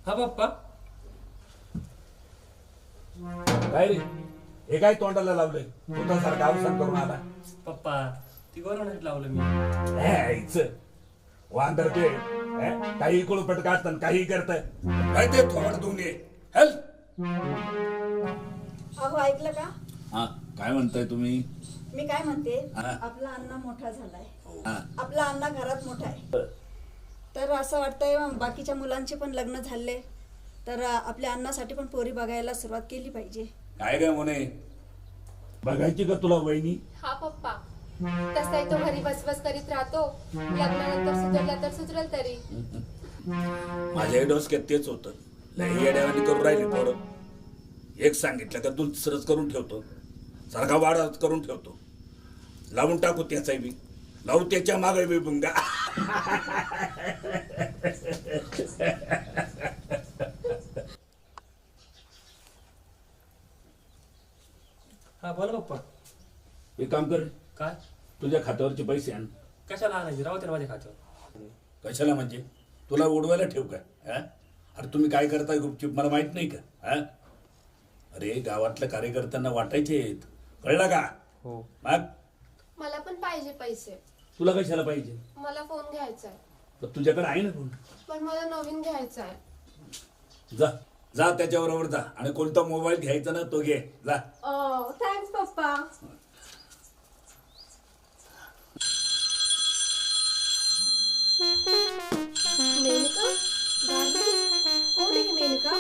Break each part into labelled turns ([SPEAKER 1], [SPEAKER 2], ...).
[SPEAKER 1] हा पप्पा.
[SPEAKER 2] काय रे हे काय तोंडाला लावलंय सारखं अवसान करून आला.
[SPEAKER 1] पप्पा ती गोरवण्यात लावलं मी.
[SPEAKER 2] यायचं वांदर ते काही कुळपट काढतात काही करत काय ते थोड दोन्ही हेल.
[SPEAKER 3] अहो ऐकलं का?
[SPEAKER 2] हा काय म्हणताय तुम्ही?
[SPEAKER 3] मी काय म्हणते,
[SPEAKER 2] हा.
[SPEAKER 3] आपला अण्णा मोठा झालाय.
[SPEAKER 2] हा.
[SPEAKER 3] आपला अण्णा घरात मोठा आहे. तर असं वाटतंय बाकीच्या मुलांचे पण लग्न झाले तर आपल्या अण्णासाठी पण पोरी बघायला सुरुवात केली पाहिजे.
[SPEAKER 2] काय काय म्हणे बघायची का तुला वहिनी?
[SPEAKER 4] हा पप्पा, तसाही तो घरी बसबस करीत राहतो. लग्नानंतर सुधरला तर सुधरल तरी.
[SPEAKER 2] माझ्या डोसक्यात तेच होतं. लई येड्यावानी करून राहिली पोरं. एक सांगितलं का दुसरंच करून ठेवतो, सारखा वाडाच करून ठेवतो. लावून टाकू त्याचाही बी, लावू त्याच्या मागे बी बुंगा.
[SPEAKER 1] हा बोला पप्पा.
[SPEAKER 2] एक काम कर,
[SPEAKER 1] काय?
[SPEAKER 2] तुझ्या खात्यावरचे पैसे आण.
[SPEAKER 1] कशाला आणायचे? राहू त्याला माझ्या खात्यावर.
[SPEAKER 2] कशाला म्हणजे तुला उडवायला ठेव का? हा? अरे तुम्ही काय करताय गुपचूप मला माहित नाही का? हा? अरे गावातल्या कार्यकर्त्यांना वाटायचे आहेत, कळलं का?
[SPEAKER 1] हो.
[SPEAKER 2] मग
[SPEAKER 4] मला पण पाहिजे पैसे.
[SPEAKER 2] तुला कशाला पाहिजे?
[SPEAKER 4] मला फोन घ्यायचा आहे.
[SPEAKER 2] तर तुझ्याकडे आहे ना फोन.
[SPEAKER 4] पण मला नवीन घ्यायचा आहे.
[SPEAKER 2] जा जा त्याच्याबरोबर जा आणि कोणता मोबाईल घ्यायचा ना तो घे जा.
[SPEAKER 4] थँक्स पप्पा. मेनका गाडी कोण आहे मेनका?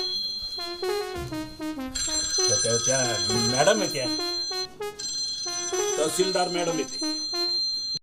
[SPEAKER 2] त्या मॅडम आहे त्या तहसीलदार मॅडम येते.